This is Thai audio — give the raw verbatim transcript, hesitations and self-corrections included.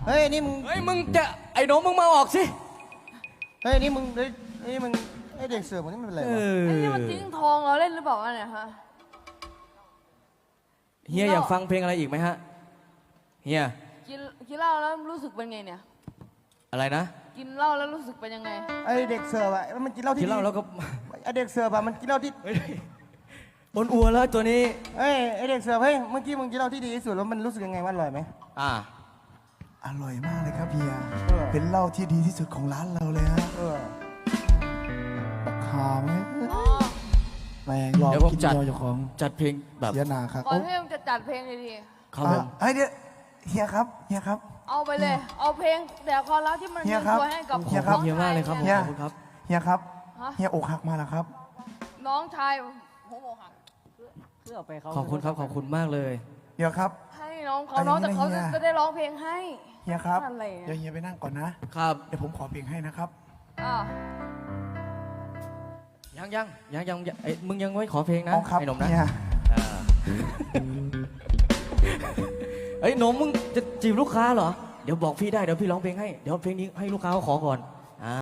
ฮ้ยนี่มึงเฮ้ยมึงจะไอ้หน้องมึงมาออกสิเฮ้ยนี่มึงเฮ้ยนี่มึงไอเด็กเสิร์ฟมันนี่มันเป็นอะไรเอวะอไอ้นี่มันทิ้งทองเราเล่นหรือเปล่าวะเนี่ยฮะเฮียอยากฟังเพลงอะไรอีกไหมฮะเฮียกินกินเหล้าแล้วรู้สึกเป็นไงเนี่ยอะไรนะกินเหล้าแล้วรู้สึกเป็นยังไงไอเด็กเสิร์ฟอะมันกินเหล้าที่กินเหล้าแล้วก็ไอเด็กเสิร์ฟอะมันกินเหล้าที่เฮ้ยบนอัวแล้วตัวนี้เฮ้ยไอเด็กเสิร์ฟเฮ้ยเมื่อกี้มึงกินเหล้าที่ดีที่สุดแล้วมันรู้สึกยังไงว่าอร่อยไหมอ่าอร่อยมากเลยครับเฮียเออเป็นเหล้าที่ดีที่สุดของร้านเราเลยฮะเออราคาไหมอ๋อแมงลองเดี๋ยวผมกินจัดยอเจ้าของจัดเพลงแบบเสียหนาครับก่อนที่มึงจะจัดเพลงดีครับผมเฮ้ยเดี๋ยวเฮียครับเฮียครับๆเอาไปเลย เอาเพลงแต่ความรักที่มันเฮีมียครับตัวให้กับขเฮีอย บครัคุบณเฮียมากเลยครับผมเฮียขอบคุณครับเฮียครับฮะเฮียอกหักมาแล้วครับน้องชายหัวโมหักขอบคุณครับขอบคุณมากเลยเดี๋ยวครับให้น้องเขาเอาน้องอย่างแต่นี้เขานะเฮียจะได้ร้องเพลงให้เฮียครับอะไรอะเดี๋ยวเฮียไปนั่งก่อนนะครับเดี๋ยวผมขอเพลงให้นะครับอ่ายังยังยังยังยังไอ้มึงยังไม่ขอเพลงนะอ๋อครับไอ้หนุ่มนะเฮียอ่าไอ้หนุ่มมึงจะจีบลูกค้าเหรอเดี๋ยวบอกพี่ได้เดี๋ยวพี่ร้องเพลงให้เดี๋ยวเพลงนี้ให้ลูกค้าเขาขอก่อน